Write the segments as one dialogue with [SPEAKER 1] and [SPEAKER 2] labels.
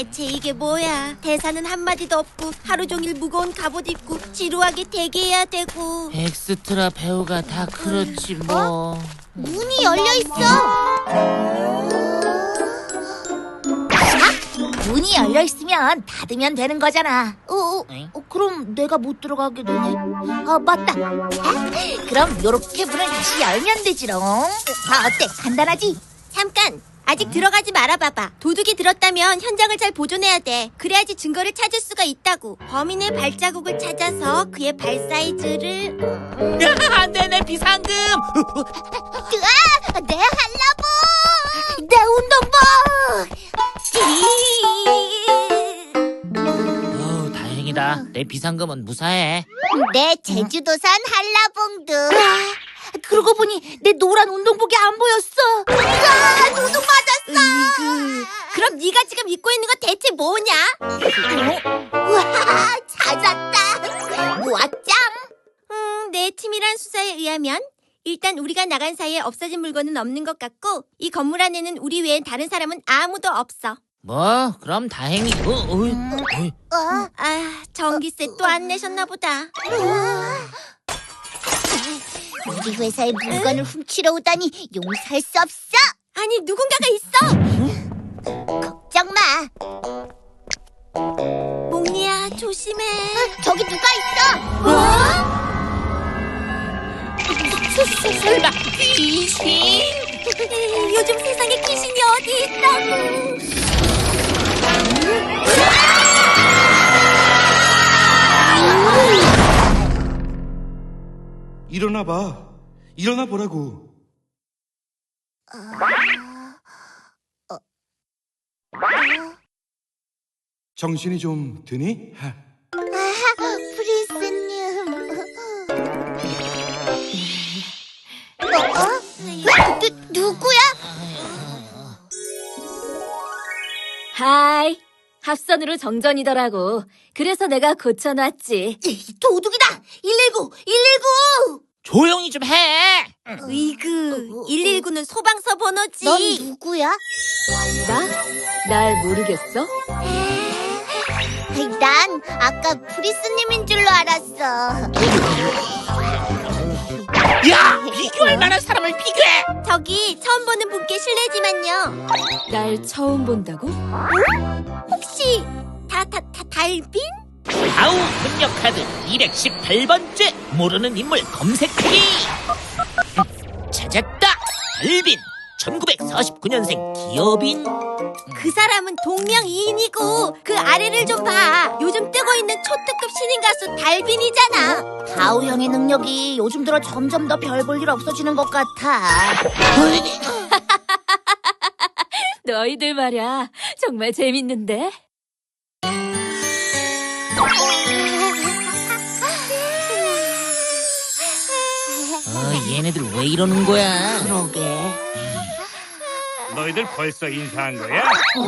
[SPEAKER 1] 대체 이게 뭐야? 대사는 한마디도 없고 하루 종일 무거운 갑옷 입고 지루하게 대기해야 되고.
[SPEAKER 2] 엑스트라 배우가 다 그렇지 뭐.
[SPEAKER 1] 문이 열려 있어.
[SPEAKER 3] 문이 열려 있으면 닫으면 되는 거잖아.
[SPEAKER 2] 응?
[SPEAKER 3] 그럼 내가 못 들어가게 되네. 아, 맞다. 그럼 요렇게 문을 다시 열면 되지롱. 어때? 간단하지?
[SPEAKER 1] 잠깐. 아직 들어가지 말아봐봐. 도둑이 들었다면 현장을 잘 보존해야 돼. 그래야지 증거를 찾을 수가 있다고. 범인의 발자국을 찾아서 그의 발 사이즈를...
[SPEAKER 2] 안돼 내 비상금.
[SPEAKER 3] 내 한라봉! 내 운동복!
[SPEAKER 2] 다행이다. 내 비상금은 무사해.
[SPEAKER 3] 내 제주도산 한라봉도. 그러고 보니 내 노란 운동복이 안 보였어. 도둑 맞았어.
[SPEAKER 1] 그럼 네가 지금 입고 있는 거 대체 뭐냐?
[SPEAKER 3] 와, 찾았다. 모아짱.
[SPEAKER 1] 내 치밀한 수사에 의하면 일단 우리가 나간 사이에 없어진 물건은 없는 것 같고 이 건물 안에는 우리 외엔 다른 사람은 아무도 없어.
[SPEAKER 2] 뭐 그럼 다행이고.
[SPEAKER 1] 전기세 또 안 내셨나 보다.
[SPEAKER 3] 우리 회사의 물건을 훔치러 오다니 용서할 수 없어.
[SPEAKER 1] 아니 누군가가 있어.
[SPEAKER 3] 걱정 마.
[SPEAKER 1] 몽니야 조심해.
[SPEAKER 3] 저기 누가 있어?
[SPEAKER 2] 설마 귀신?
[SPEAKER 1] 요즘 세상에 귀신이 어디 있다고.
[SPEAKER 4] 일어나봐. 일어나 보라고. 정신이 좀 드니?
[SPEAKER 3] 프린스님. 누구야?
[SPEAKER 5] 하이, 합선으로 정전이더라고. 그래서 내가 고쳐놨지.
[SPEAKER 3] 도둑이다. 119, 119.
[SPEAKER 2] 조용히 좀 해.
[SPEAKER 1] 으이그 119는 소방서 번호지.
[SPEAKER 3] 넌 누구야?
[SPEAKER 5] 날 모르겠어?
[SPEAKER 3] 난 아까 프리스님인 줄로 알았어.
[SPEAKER 2] 야, 비교할 만한 사람을 비교해.
[SPEAKER 1] 저기 처음 보는 분께 실례지만요.
[SPEAKER 5] 날 처음 본다고?
[SPEAKER 1] 혹시 달빈?
[SPEAKER 2] 아우 능력 카드 218번째 모르는 인물 검색하기. 찾았다. 달빈 1949년생 기업인.
[SPEAKER 1] 그 사람은 동명이인이고 그 아래를 좀 봐. 요즘 뜨고 있는 초특급 신인 가수 달빈이잖아.
[SPEAKER 3] 다우 형의 능력이 요즘 들어 점점 더 별 볼 일 없어지는 것 같아.
[SPEAKER 5] 너희들 말야, 정말 재밌는데?
[SPEAKER 2] 얘네들 왜 이러는 거야?
[SPEAKER 3] 그러게.
[SPEAKER 6] 너희들 벌써 인사한 거야?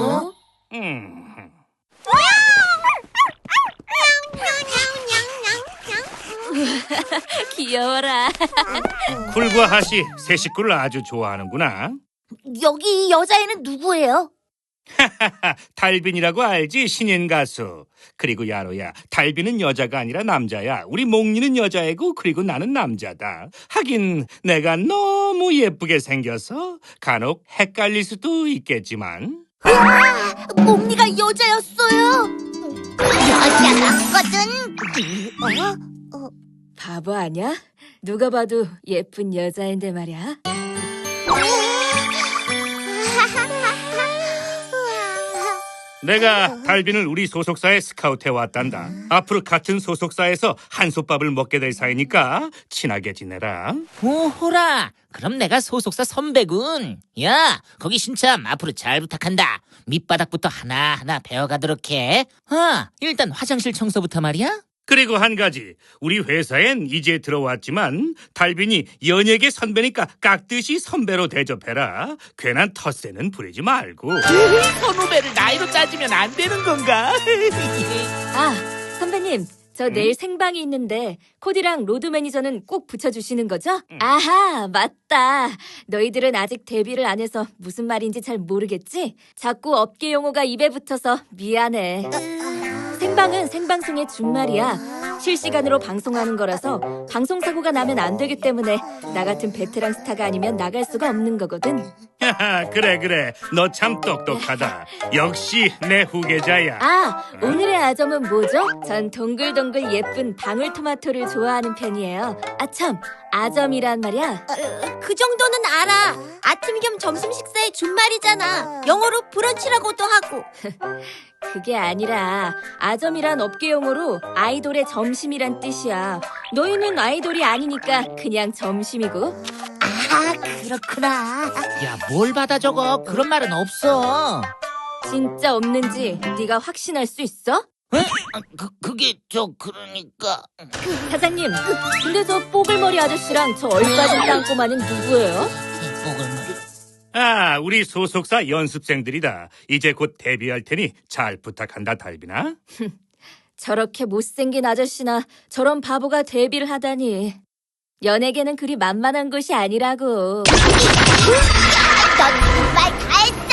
[SPEAKER 5] 귀여워라.
[SPEAKER 6] 쿨과 하시 새 식구를 아주 좋아하는구나.
[SPEAKER 3] 여기 여자애는 누구예요?
[SPEAKER 6] 달빈이라고 알지? 신인 가수. 그리고 야로야, 달빈은 여자가 아니라 남자야. 우리 몽니는 여자애고 그리고 나는 남자다. 하긴 내가 너무 예쁘게 생겨서 간혹 헷갈릴 수도 있겠지만.
[SPEAKER 3] 몽니가 여자였어요. 여자 맞거든.
[SPEAKER 5] 바보 아냐? 누가 봐도 예쁜 여자인데 말이야.
[SPEAKER 6] 내가 달빈을 우리 소속사에 스카우트해 왔단다. 앞으로 같은 소속사에서 한솥밥을 먹게 될 사이니까 친하게 지내라.
[SPEAKER 2] 오호라. 그럼 내가 소속사 선배군. 야, 거기 신참 앞으로 잘 부탁한다. 밑바닥부터 하나하나 배워가도록 해. 일단 화장실 청소부터 말이야.
[SPEAKER 6] 그리고 한 가지, 우리 회사엔 이제 들어왔지만 달빈이 연예계 선배니까 깍듯이 선배로 대접해라. 괜한 텃세는 부리지 말고.
[SPEAKER 2] 선후배를 나이로 따지면 안 되는 건가?
[SPEAKER 5] 아, 선배님, 저 내일 생방이 있는데 코디랑 로드 매니저는 꼭 붙여주시는 거죠? 아하, 맞다. 너희들은 아직 데뷔를 안 해서 무슨 말인지 잘 모르겠지? 자꾸 업계 용어가 입에 붙어서 미안해. 생방은 생방송의 준말이야. 실시간으로 방송하는 거라서 방송사고가 나면 안 되기 때문에 나 같은 베테랑 스타가 아니면 나갈 수가 없는 거거든.
[SPEAKER 6] 하하, 그래. 너 참 똑똑하다. 역시 내 후계자야.
[SPEAKER 5] 아, 오늘의 아점은 뭐죠? 전 동글동글 예쁜 방울토마토를 좋아하는 편이에요. 아, 참, 아점이란 말이야.
[SPEAKER 1] 그 정도는 알아. 아침 겸 점심 식사의 준말이잖아. 영어로 브런치라고도 하고.
[SPEAKER 5] 그게 아니라 아점이란 업계 용어로 아이돌의 점심이란 뜻이야. 너희는 아이돌이 아니니까 그냥 점심이고.
[SPEAKER 3] 아, 그렇구나.
[SPEAKER 2] 야, 뭘 받아 적어? 그런 말은 없어.
[SPEAKER 5] 진짜 없는지 네가 확신할 수 있어?
[SPEAKER 2] 그게 그러니까.
[SPEAKER 5] 사장님, 근데 저 뽀글머리 아저씨랑 저 얼빠진 땅꼬마는 누구예요?
[SPEAKER 6] 아, 우리 소속사 연습생들이다. 이제 곧 데뷔할 테니 잘 부탁한다, 달빈아.
[SPEAKER 5] 저렇게 못생긴 아저씨나 저런 바보가 데뷔를 하다니. 연예계는 그리 만만한 곳이 아니라고.
[SPEAKER 3] 넌 정말 다 했어!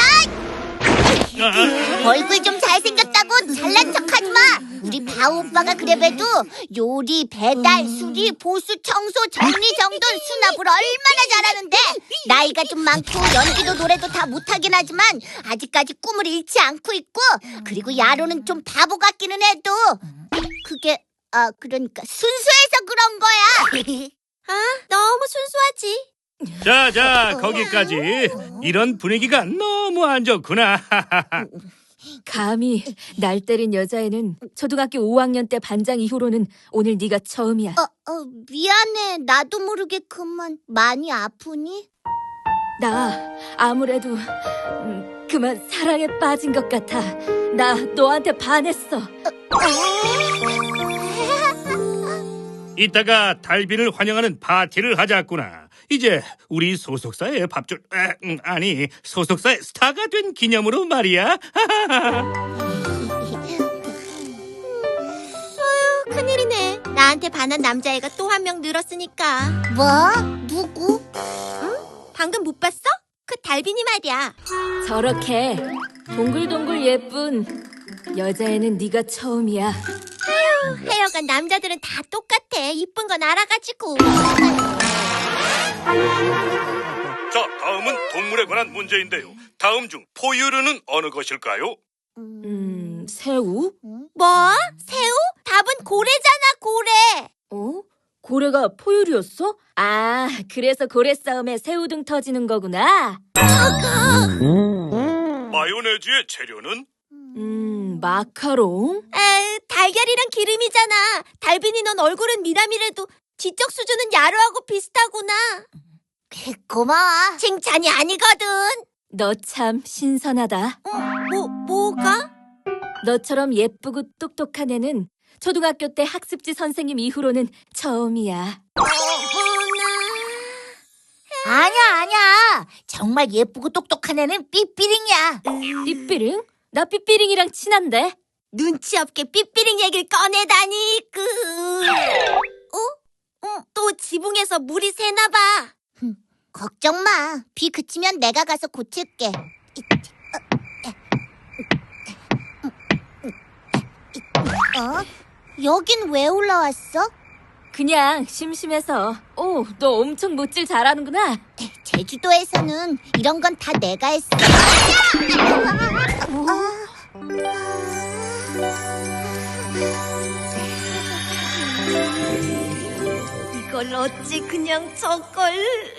[SPEAKER 3] 얼굴 좀 잘생겼다고 잘난 척하지 마! 우리 바우 오빠가 그래봬도 요리, 배달, 수리, 보수, 청소, 정리정돈, 수납을 얼마나 잘하는데 나이가 좀 많고 연기도 노래도 다 못하긴 하지만 아직까지 꿈을 잃지 않고 있고 그리고 야로는 좀 바보 같기는 해도 그게 그러니까 순수해서 그런 거야!
[SPEAKER 1] 너무 순수하지.
[SPEAKER 6] 자, 거기까지. 이런 분위기가 너무 안 좋구나.
[SPEAKER 5] 감히 날 때린 여자애는 초등학교 5학년 때 반장 이후로는 오늘 네가 처음이야.
[SPEAKER 3] 미안해. 나도 모르게 그만 많이 아프니?
[SPEAKER 5] 나 아무래도 그만 사랑에 빠진 것 같아. 나 너한테 반했어.
[SPEAKER 6] 이따가 달빈을 환영하는 파티를 하자꾸나. 이제 우리 소속사의 소속사의 스타가 된 기념으로 말이야.
[SPEAKER 1] 큰일이네. 나한테 반한 남자애가 또 한 명 늘었으니까.
[SPEAKER 3] 뭐? 누구?
[SPEAKER 1] 방금 못 봤어? 그 달빈이 말이야.
[SPEAKER 5] 저렇게 동글동글 예쁜 여자애는 네가 처음이야.
[SPEAKER 1] 하여간 남자들은 다 똑같아. 이쁜 건 알아가지고.
[SPEAKER 6] 자, 다음은 동물에 관한 문제인데요. 다음 중 포유류는 어느 것일까요?
[SPEAKER 5] 새우?
[SPEAKER 1] 뭐? 새우? 답은 고래잖아, 고래.
[SPEAKER 5] 어? 고래가 포유류였어? 아, 그래서 고래 싸움에 새우등 터지는 거구나.
[SPEAKER 6] 마요네즈의 재료는?
[SPEAKER 5] 마카롱?
[SPEAKER 1] 달걀이랑 기름이잖아. 달빈이 넌 얼굴은 미남이라도 지적 수준은 야로하고 비슷하구나.
[SPEAKER 3] 고마워.
[SPEAKER 1] 칭찬이 아니거든.
[SPEAKER 5] 너 참 신선하다.
[SPEAKER 1] 뭐가?
[SPEAKER 5] 너처럼 예쁘고 똑똑한 애는 초등학교 때 학습지 선생님 이후로는 처음이야.
[SPEAKER 3] 아니야. 정말 예쁘고 똑똑한 애는 삐삐링이야.
[SPEAKER 5] 삐삐링? 나 삐삐링이랑 친한데?
[SPEAKER 1] 눈치 없게 삐삐링 얘기를 꺼내다니. 또 지붕에서 물이 새나 봐.
[SPEAKER 3] 걱정 마. 비 그치면 내가 가서 고칠게. 여긴 왜 올라왔어?
[SPEAKER 5] 그냥 심심해서. 오, 너 엄청 못질 잘하는구나.
[SPEAKER 3] 제주도에서는 이런 건 다 내가 했어.
[SPEAKER 1] 이걸 어찌 그냥 저걸.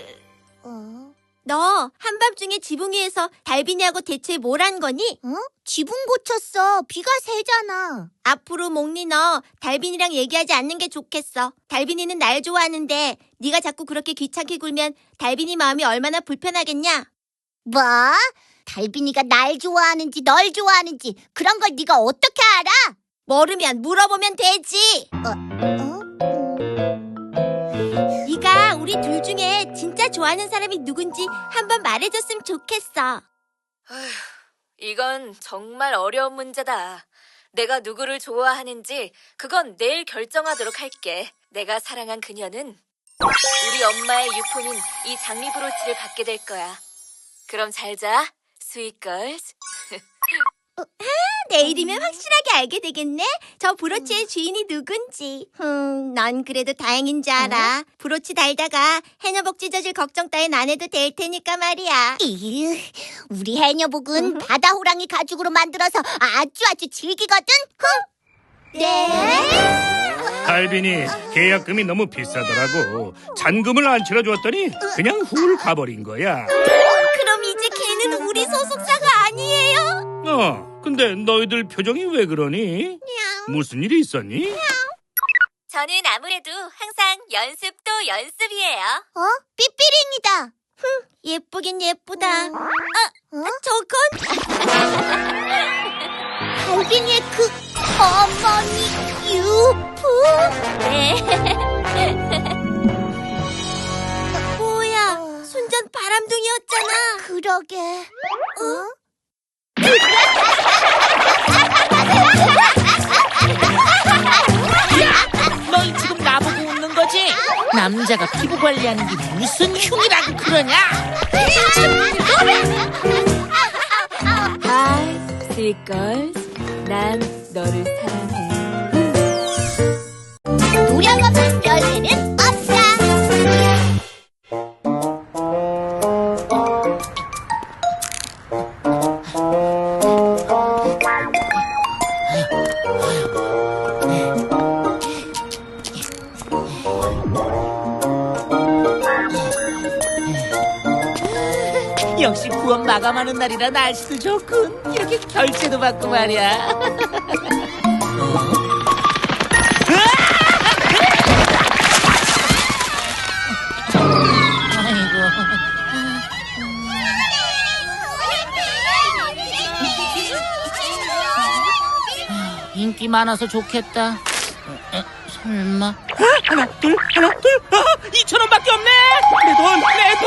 [SPEAKER 1] 너 한밤중에 지붕 위에서 달빈이하고 대체 뭘 한 거니?
[SPEAKER 3] 지붕 고쳤어. 비가 새잖아.
[SPEAKER 1] 앞으로 몽니 너 달빈이랑 얘기하지 않는 게 좋겠어. 달빈이는 날 좋아하는데 네가 자꾸 그렇게 귀찮게 굴면 달빈이 마음이 얼마나 불편하겠냐?
[SPEAKER 3] 뭐? 달빈이가 날 좋아하는지 널 좋아하는지 그런 걸 네가 어떻게 알아?
[SPEAKER 1] 모르면 물어보면 되지. 네가 우리 둘 중에 진짜 좋아하는 사람이 누군지 한번 말해줬으면 좋겠어.
[SPEAKER 5] 이건 정말 어려운 문제다. 내가 누구를 좋아하는지 그건 내일 결정하도록 할게. 내가 사랑한 그녀는 우리 엄마의 유품인 이 장미 브로치를 받게 될 거야. 그럼 잘 자, 스윗걸스.
[SPEAKER 1] 내일이면 확실하게 알게 되겠네. 저 브로치의 주인이 누군지. 넌 그래도 다행인 줄 알아. 브로치 달다가 해녀복 찢어질 걱정 따윈 안 해도 될 테니까 말이야.
[SPEAKER 3] 이유, 우리 해녀복은 바다 호랑이 가죽으로 만들어서 아주 질기거든.
[SPEAKER 1] 네?
[SPEAKER 6] 달빈이 계약금이 너무 비싸더라고. 잔금을 안 치러줬더니 그냥 훌 가버린 거야.
[SPEAKER 1] 그럼 이제 걔는 우리 소속사가 아니에요?
[SPEAKER 6] 근데 너희들 표정이 왜 그러니? 무슨 일이 있었니?
[SPEAKER 5] 저는 아무래도 항상 연습도 연습이에요.
[SPEAKER 3] 삐삐링이다.
[SPEAKER 1] 예쁘긴 예쁘다. 저건
[SPEAKER 3] 달빈이의 그 어머니 유품.
[SPEAKER 5] 네.
[SPEAKER 1] 뭐야? 순전 바람둥이였잖아.
[SPEAKER 3] 그러게.
[SPEAKER 2] 너희 지금 나보고 웃는 거지? 남자가 피부 관리하는 게 무슨 흉이라고 그러냐?
[SPEAKER 5] 하이, 스윗걸스. 난 너를 사랑해.
[SPEAKER 3] 노력 없는 별일은 없다.
[SPEAKER 2] 역시 부업 마감하는 날이라 날씨도 좋군. 이렇게 결제도 받고 말이야. 인기 많아서 좋겠다. 설마 하나 둘 2,000원밖에 없네. 내 돈.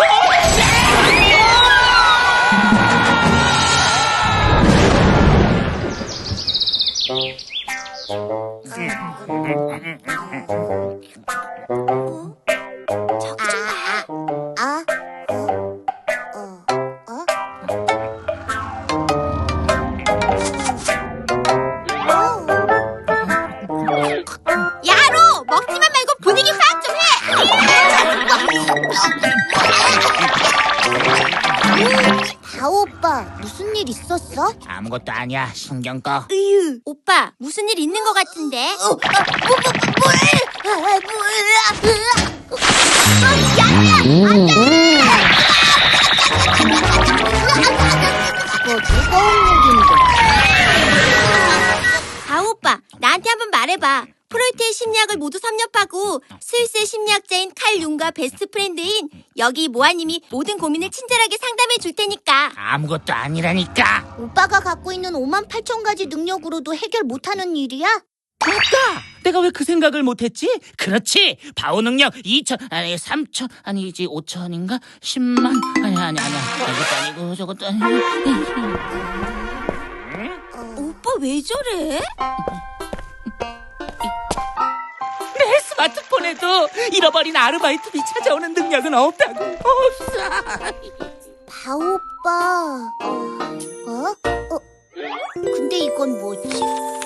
[SPEAKER 1] 야로 먹지만 말고 분위기 파악 좀 해.
[SPEAKER 3] 다오 오빠, 무슨 일 있었어?
[SPEAKER 2] 아무것도 아니야. 신경 꺼.
[SPEAKER 1] 으유, 오빠 무슨 일 있는 것 같은데?
[SPEAKER 3] 그거 무서운 일인데.
[SPEAKER 1] 아 오빠 나한테 한번 말해봐. 프로이트의 심리학을 모두 섭렵하고 스위스의 심리학자인 칼 융과 베스트 프렌드인 여기 모아님이 모든 고민을 친절하게 상담해 줄 테니까.
[SPEAKER 2] 아무것도 아니라니까.
[SPEAKER 3] 오빠가 갖고 있는 58,000가지 능력으로도 해결 못하는 일이야?
[SPEAKER 2] 맞다. 내가 왜 그 생각을 못했지? 그렇지. 바오 능력 2,000 아니 3,000 아니지 5,000인가 10만 아니야. 이것도 아니고 저것도 아니고.
[SPEAKER 1] 오빠 왜 저래?
[SPEAKER 2] 내 스마트폰에도 잃어버린 아르바이트비 찾아오는 능력은 없다고. 없어.
[SPEAKER 3] 바오 오빠. 근데 이건 뭐지?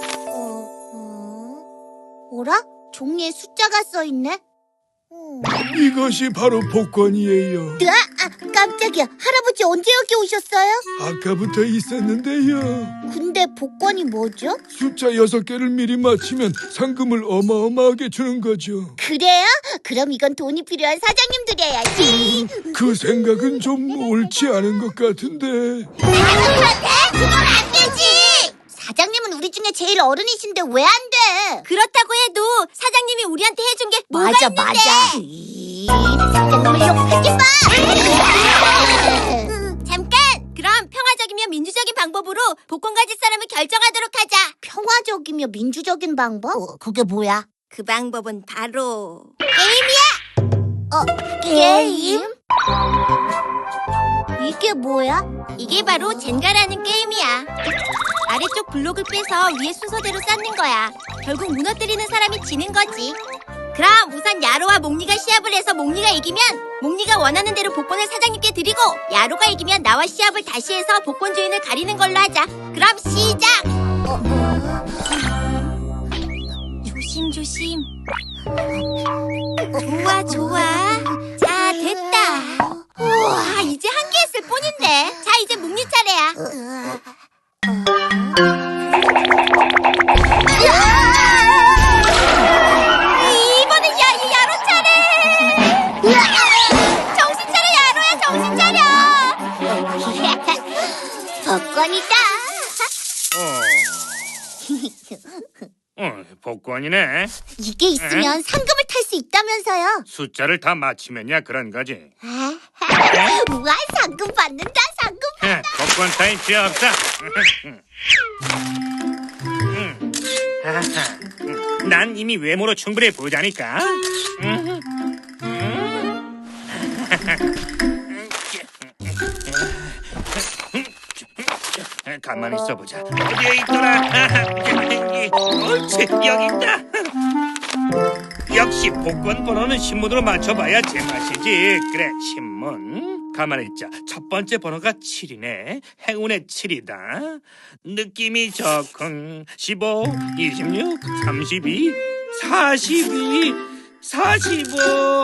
[SPEAKER 3] 뭐라? 종이에 숫자가 써있네?
[SPEAKER 7] 이것이 바로 복권이에요.
[SPEAKER 3] 깜짝이야. 할아버지 언제 여기 오셨어요?
[SPEAKER 7] 아까부터 있었는데요.
[SPEAKER 3] 근데 복권이 뭐죠?
[SPEAKER 7] 숫자 6개를 미리 맞히면 상금을 어마어마하게 주는 거죠.
[SPEAKER 3] 그래요? 그럼 이건 돈이 필요한 사장님 드려야지.
[SPEAKER 7] 그 생각은 좀 옳지 않은 것 같은데.
[SPEAKER 3] 그건 안 되지. 사장님은 우리 중에 제일 어른이신데 왜 안 돼?
[SPEAKER 1] 그렇다고 해도 사장님이 우리한테 해준 게 뭐가 있는데?
[SPEAKER 3] 사장님을 욕하지 마.
[SPEAKER 1] 잠깐! 그럼 평화적이며 민주적인 방법으로 복권 가질 사람을 결정하도록 하자.
[SPEAKER 3] 평화적이며 민주적인 방법? 그게 뭐야?
[SPEAKER 1] 그 방법은 바로
[SPEAKER 3] 게임? 이게 뭐야?
[SPEAKER 1] 이게 바로 젠가라는 게임이야. 아래쪽 블록을 빼서 위에 순서대로 쌓는 거야. 결국 무너뜨리는 사람이 지는 거지. 그럼 우선 야로와 몽니가 시합을 해서 몽니가 이기면 몽니가 원하는 대로 복권을 사장님께 드리고, 야로가 이기면 나와 시합을 다시 해서 복권 주인을 가리는 걸로 하자. 그럼 시작! 조심조심. 좋아 좋아. 자, 됐다. 우와, 이제 한 개 했을 뿐인데. 자, 이제 묵니 차례야. 이번엔 야로 차례. 정신 차려, 야로야, 정신 차려.
[SPEAKER 3] 복권이다.
[SPEAKER 6] 복권이네.
[SPEAKER 3] 이게 있으면 상금을 탈 수 있다면서요.
[SPEAKER 6] 숫자를 다 맞히면야 그런 거지.
[SPEAKER 3] 우와, 상금 받는다, 상금.
[SPEAKER 6] 복권 타임 필요 없어. 난 이미 외모로 충분히 부자니까. 가만히 있어보자. 어디에 있더라? 옳지, 여기 있다. 역시 복권 번호는 신문으로 맞춰봐야 제맛이지. 그래, 신문. 가만히 있자. 첫 번째 번호가 7이네. 행운의 7이다. 느낌이 좋군. 15, 26, 32, 42, 45,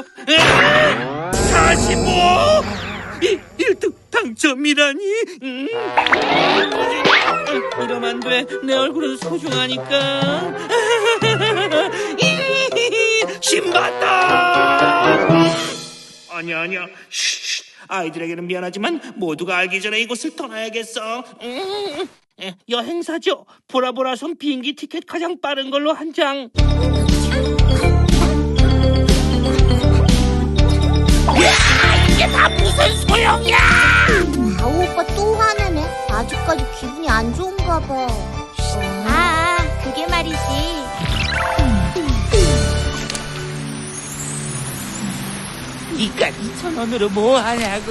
[SPEAKER 6] 45! 1등 당첨이라니. 이러면 안 돼. 내 얼굴은 소중하니까. 신봤다. 아니야. 쉿. 아이들에게는 미안하지만 모두가 알기 전에 이곳을 떠나야겠어. 여행사죠. 보라보라섬 비행기 티켓 가장 빠른 걸로 한 장. 이게 다 무슨 소용이야!
[SPEAKER 3] 바오 오빠 또 화내네. 아직까지 기분이 안 좋은가 봐.
[SPEAKER 1] 그게 말이지.
[SPEAKER 2] 니가 2,000원으로 뭐 하냐고.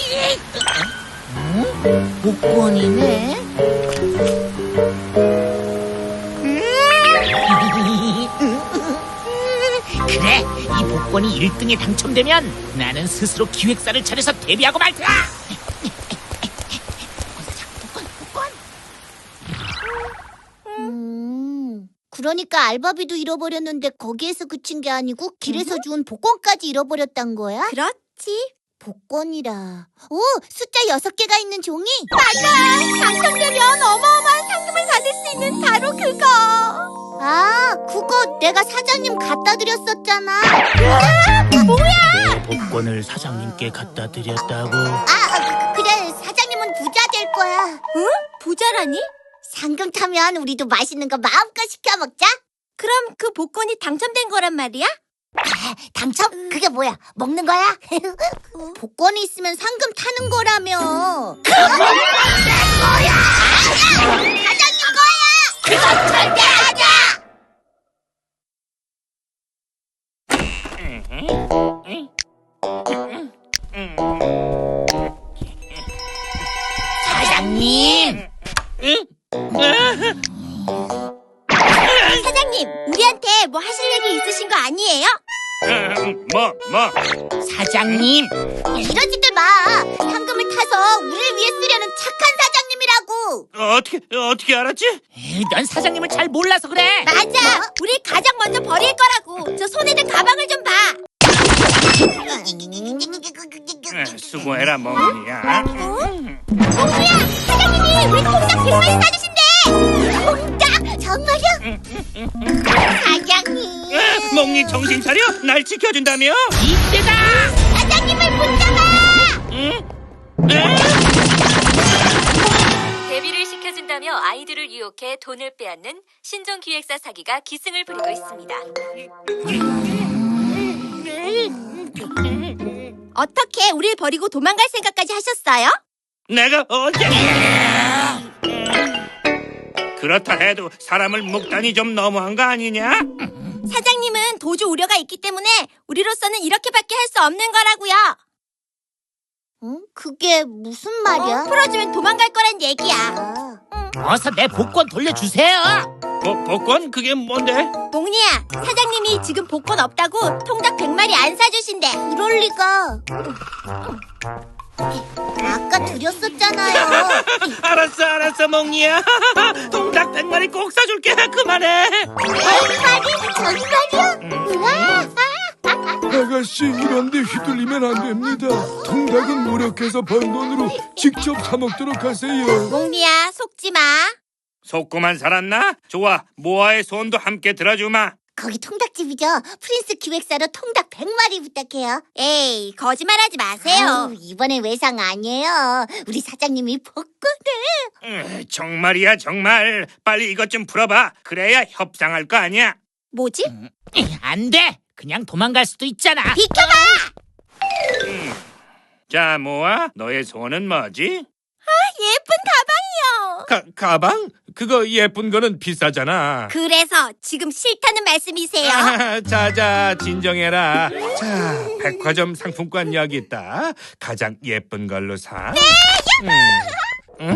[SPEAKER 2] 복권이네. 그래, 이 복권이 1등에 당첨되면 나는 스스로 기획사를 차려서 데뷔하고 말 거야.
[SPEAKER 3] 그러니까 알바비도 잃어버렸는데 거기에서 그친 게 아니고 길에서 주운 복권까지 잃어버렸단 거야?
[SPEAKER 1] 그렇지.
[SPEAKER 3] 복권이라. 오, 숫자 6개가 있는 종이?
[SPEAKER 1] 당첨되면 어마어마한 상금을 받을 수 있는 바로 그거.
[SPEAKER 3] 아, 그거 내가 사장님 갖다 드렸었잖아.
[SPEAKER 1] 뭐야?
[SPEAKER 2] 복권을 사장님께 갖다 드렸다고.
[SPEAKER 3] 그래, 사장님은 부자 될 거야.
[SPEAKER 1] 응? 부자라니?
[SPEAKER 3] 상금 타면 우리도 맛있는 거 마음껏 시켜 먹자.
[SPEAKER 1] 그럼 그 복권이 당첨된 거란 말이야?
[SPEAKER 3] 당첨? 그게 뭐야? 먹는 거야? 복권이 있으면 상금 타는 거라며. 그건 내 거야! 사장님 거야! 그건 절대 아니야!
[SPEAKER 2] 사장님.
[SPEAKER 1] 사장님, 우리한테 뭐 하실 얘기 있으신 거 아니에요?
[SPEAKER 6] 뭐?
[SPEAKER 2] 사장님.
[SPEAKER 3] 이러지들 마. 상금을 타서 우리를 위해 쓰려는 착한 사장님이라고.
[SPEAKER 6] 어떻게 알았지?
[SPEAKER 2] 넌 사장님을 잘 몰라서 그래.
[SPEAKER 1] 맞아. 우리 가장 먼저 버릴 거라고. 저 손에 든 가방을 좀 봐.
[SPEAKER 6] 수고해라, 멍이야.
[SPEAKER 1] 몽구야, 사장님이 우리 통닭 100마리 사주신대.
[SPEAKER 3] 통닭? 정말요? 사장님.
[SPEAKER 6] 멍이 정신 차려? 날 지켜준다며?
[SPEAKER 2] 이때다.
[SPEAKER 3] 사장님을 붙잡아.
[SPEAKER 5] 데뷔를 시켜준다며 아이들을 유혹해 돈을 빼앗는 신종기획사 사기가 기승을 부리고 있습니다.
[SPEAKER 1] 어떻게 우릴 버리고 도망갈 생각까지 하셨어요?
[SPEAKER 6] 내가 언제? 그렇다 해도 사람을 묶다니 좀 너무한 거 아니냐?
[SPEAKER 1] 사장님은 도주 우려가 있기 때문에 우리로서는 이렇게밖에 할 수 없는 거라고요.
[SPEAKER 3] 응? 그게 무슨 말이야?
[SPEAKER 1] 풀어주면 도망갈 거란 얘기야.
[SPEAKER 3] 아,
[SPEAKER 2] 어서 내 복권 돌려주세요.
[SPEAKER 6] 복권? 그게 뭔데?
[SPEAKER 1] 몽니야, 사장님이 지금 복권 없다고 통닭 100마리 안 사주신대.
[SPEAKER 3] 그럴 리가. 아까 드렸었잖아요.
[SPEAKER 6] 알았어, 몽니야. 통닭 100마리 꼭 사줄게. 그만해.
[SPEAKER 3] 100마리? 정말이요? 우와!
[SPEAKER 7] 아가씨, 이런데 휘둘리면 안 됩니다. 통닭은 노력해서 번 돈으로 직접 사 먹도록 하세요.
[SPEAKER 1] 몽니야, 속지 마.
[SPEAKER 6] 속고만 살았나? 좋아, 모아의 소원도 함께 들어주마.
[SPEAKER 3] 거기 통닭집이죠? 프린스 기획사로 통닭 100마리 부탁해요.
[SPEAKER 1] 에이, 거짓말하지 마세요.
[SPEAKER 3] 아유, 이번엔 외상 아니에요. 우리 사장님이 복권을.
[SPEAKER 6] 정말이야, 정말. 빨리 이것 좀 풀어봐. 그래야 협상할 거 아니야.
[SPEAKER 1] 뭐지?
[SPEAKER 2] 안 돼. 그냥 도망갈 수도 있잖아.
[SPEAKER 1] 비켜봐!
[SPEAKER 6] 자, 모아, 너의 소원은 뭐지?
[SPEAKER 1] 예쁜 가방이요.
[SPEAKER 6] 가방? 그거 예쁜 거는 비싸잖아.
[SPEAKER 1] 그래서 지금 싫다는 말씀이세요?
[SPEAKER 6] 자자, 진정해라. 자, 백화점 상품권 여기 있다. 가장 예쁜 걸로 사. 네,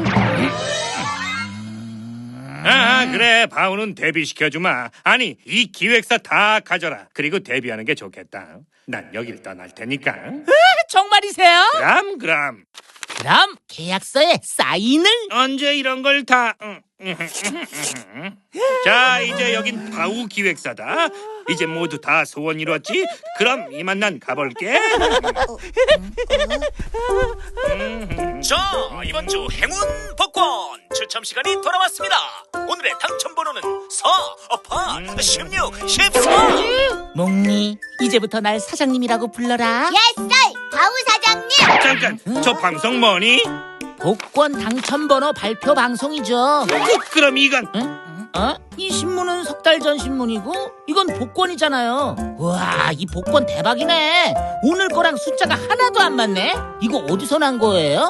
[SPEAKER 6] 그래. 바우는 데뷔시켜주마. 아니, 이 기획사 다 가져라. 그리고 데뷔하는 게 좋겠다. 난 여길 떠날 테니까.
[SPEAKER 2] 정말이세요?
[SPEAKER 6] 그럼.
[SPEAKER 2] 그럼 계약서에 사인을.
[SPEAKER 6] 언제 이런 걸 다... 자, 이제 여긴 바우 기획사다. 이제 모두 다 소원 이뤘지? 그럼 이만 난 가볼게.
[SPEAKER 8] 자, 이번 주 행운 복권 추첨 시간이 돌아왔습니다. 오늘의 당첨 번호는 4, 8, 16, 14.
[SPEAKER 2] 몽니, 이제부터 날 사장님이라고 불러라.
[SPEAKER 3] 예썰! 바우 사장님!
[SPEAKER 6] 잠깐, 저 방송 뭐니?
[SPEAKER 2] 복권 당첨번호 발표 방송이죠.
[SPEAKER 6] 그럼 이건...
[SPEAKER 2] 이 신문은 석 달 전 신문이고 이건 복권이잖아요. 우와, 이 복권 대박이네. 오늘 거랑 숫자가 하나도 안 맞네. 이거 어디서 난 거예요?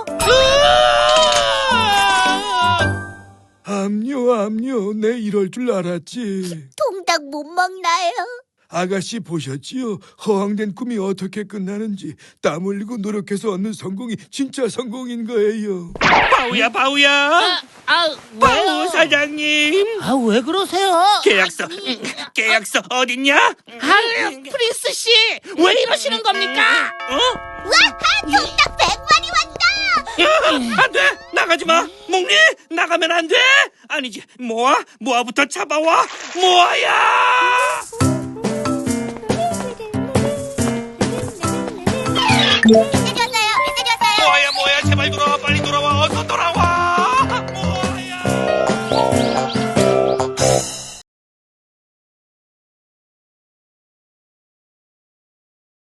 [SPEAKER 7] 암요, 내 이럴 줄 알았지.
[SPEAKER 3] 통닭 못 먹나요?
[SPEAKER 7] 아가씨 보셨지요? 허황된 꿈이 어떻게 끝나는지. 땀 흘리고 노력해서 얻는 성공이 진짜 성공인 거예요.
[SPEAKER 6] 바우야. 바우
[SPEAKER 2] 왜요?
[SPEAKER 6] 사장님.
[SPEAKER 2] 왜 그러세요?
[SPEAKER 6] 계약서 어딨냐?
[SPEAKER 2] 프린스 씨, 왜 이러시는 겁니까?
[SPEAKER 3] 와! 통닭 100마리 왔다!
[SPEAKER 6] 안 돼! 나가지 마! 몽니! 나가면 안 돼! 아니지, 모아부터 잡아와! 모아야!